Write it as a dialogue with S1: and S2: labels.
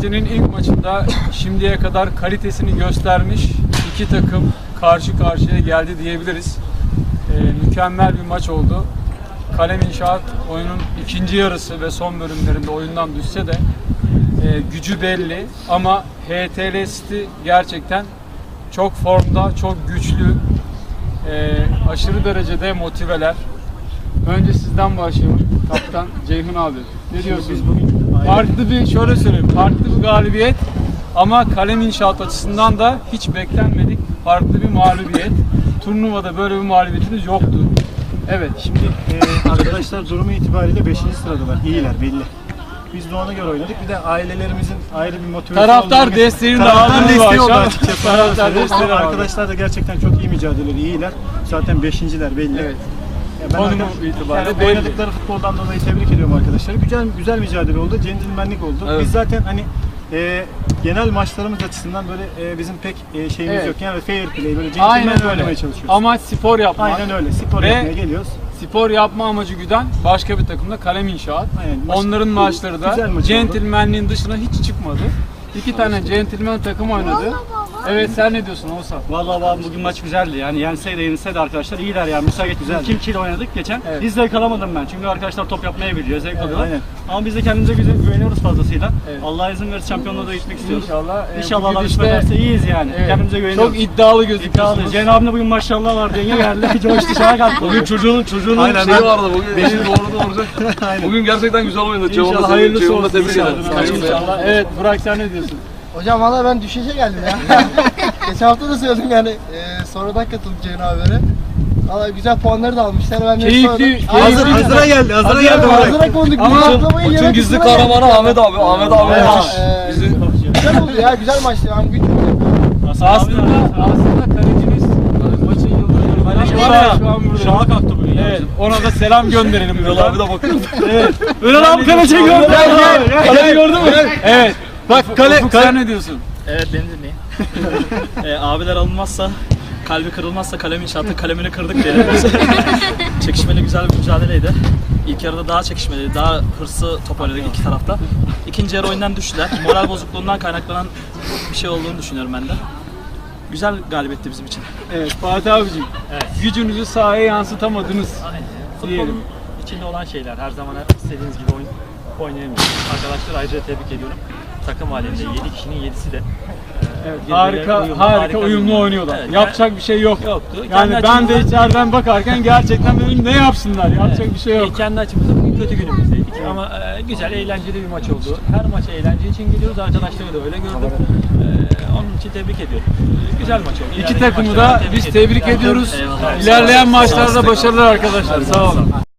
S1: Liginin ilk maçında şimdiye kadar kalitesini göstermiş iki takım karşı karşıya geldi diyebiliriz. Mükemmel bir maç oldu. Kalem İnşaat oyunun ikinci yarısı ve son bölümlerinde oyundan düşse de gücü belli ama HTL City gerçekten çok formda, çok güçlü, aşırı derecede motiveler. Önce sizden başlayalım. Kaptan Ceyhun abi. Ne diyorsunuz? Farklı bir, şöyle söyleyeyim, farklı bir galibiyet ama Kalem İnşaat açısından da hiç beklenmedik farklı bir mağlubiyet. Turnuvada böyle bir mağlubiyetimiz yoktu.
S2: Evet, şimdi arkadaşlar durumu itibariyle 5. sıradalar. İyiler belli. Biz de ona göre oynadık. Bir de ailelerimizin ayrı bir motivasyonu
S1: Taraftar desteğini de aldı
S2: açıkçası.
S1: Taraftar desteği de
S2: Arkadaşlar da gerçekten çok iyi mücadeleleri, iyiler. Zaten 5.'ler belli.
S1: Evet.
S2: Ben
S1: itibariyle
S2: yani oynadıkları futboldan dolayı tebrik ediyorum arkadaşları. Güzel mücadele oldu, centilmenlik oldu.
S1: Evet.
S2: Biz zaten hani genel maçlarımız açısından böyle bizim pek şeyimiz
S1: Evet.
S2: yok. Yani fair play, böyle centilmen oynamaya çalışıyoruz.
S1: Amaç spor yapmak.
S2: Aynen öyle. Spor yapmaya geliyoruz.
S1: Spor yapma amacı güden başka bir takımda Kalem İnşaat.
S2: Aynen.
S1: Onların maçları da centilmenliğin dışına hiç çıkmadı. İki tane centilmen takım oynadı. Evet, sen ne diyorsun Oğuzhan?
S3: Vallahi abi bugün maç güzeldi. Yani yense de yenilse de arkadaşlar iyiler yani. Müsait güzel. Kimkiyle oynadık geçen.
S1: Evet.
S3: Biz zevk alamadım ben. Çünkü arkadaşlar top yapmaya biliyor, zevk alıyorlar.
S2: Aynen.
S3: Ama biz de kendimize güveniyoruz fazlasıyla.
S1: Evet.
S3: Allah izin verirse şampiyonluğa da gitmek istiyoruz.
S1: İnşallah.
S3: İnşallah
S1: bugün
S3: Allah
S1: işte-
S3: kısmet ederse iyiyiz yani.
S1: Evet,
S3: Kendimize güveniyoruz.
S1: Çok iddialı gözüküyorsunuz.
S3: İddialı. Ceyhun abimle bugün maşallah var diye geldi. Coştu şaha kalktı.
S4: Bugün çocuğunun
S2: Aynen,
S4: şeyi
S2: ben-
S4: vardı bugün. Benim doğru olacak. Bugün gerçekten güzel oynadı.
S3: İnşallah hayırlısı
S4: Ceyhun'la
S3: olsun.
S4: tebrik ederim.
S1: İnşallah. Evet, Burak sen ne diyorsun?
S5: Hocam valla ben düşüşe geldim ya. Geçen hafta da söyledim yani sonradan katıldım Ceyhun abiyle. Valla güzel puanları da almışlar. Ben de
S1: Keyifli-
S2: Hazıra geldi.
S5: Hazıra konduk.
S1: Ama
S4: Bütün gizli kahramanı Ahmet abi. Ahmet abi
S1: Evet.
S4: yapmış. Bizi
S5: Güzel oldu ya, güzel maçtı. Yani güç
S1: Aslında kaleciniz maçın yıldızı. Kaleci var ya şu an burada.
S3: Şaha kalktı bugün.
S1: Evet, ona da selam gönderelim.
S4: Ünal abi de bakıyor.
S3: Ünal abi kaleciyi gördü.
S1: Kaleci gördün mü? Evet. Bak Ufuk sen ne diyorsun?
S6: Evet, beni dinleyin. Abiler alınmazsa, kalbi kırılmazsa Kalem İnşaat'ın kalemini kırdık diyelim. Çekişmeli güzel bir mücadeleydi. İlk yarıda daha çekişmeli, daha hırslı top oynadık iki tarafta. İkinci yarı oyundan düştüler. Moral bozukluğundan kaynaklanan bir şey olduğunu düşünüyorum ben de. Güzel galibiyetti bizim için.
S1: Evet, Fatih abicim. Gücünüzü sahaya yansıtamadınız. Diyelim.
S6: Futbolun içinde olan şeyler. Her zaman istediğiniz gibi oynayamıyoruz. Arkadaşlar ayrıca tebrik ediyorum. Takım halinde 7 kişinin 7'si de
S1: Evet,
S6: birbirine
S1: harika uyumlu oynuyorlar.
S6: Evet,
S1: Yapacak bir şey yok.
S6: yoktu.
S1: Yani
S6: Kendi
S1: ben de
S6: açımızdan-
S1: içeriden bakarken gerçekten dedim ne yapsınlar? Yapacak bir şey yok.
S6: Kendi açımızda bugün kötü günümüzdeydik ama güzel, eğlenceli bir maç oldu. Her maça eğlence için geliyoruz, arkadaşları da öyle gördüm. Onun için tebrik ediyorum. Güzel maç oldu.
S1: İki
S6: İlerleyen
S1: takımı
S6: maçlarda
S1: da biz tebrik ediyoruz.
S6: Eyvallah.
S1: İlerleyen maçlarda başarılar arkadaşlar. Sağ olun.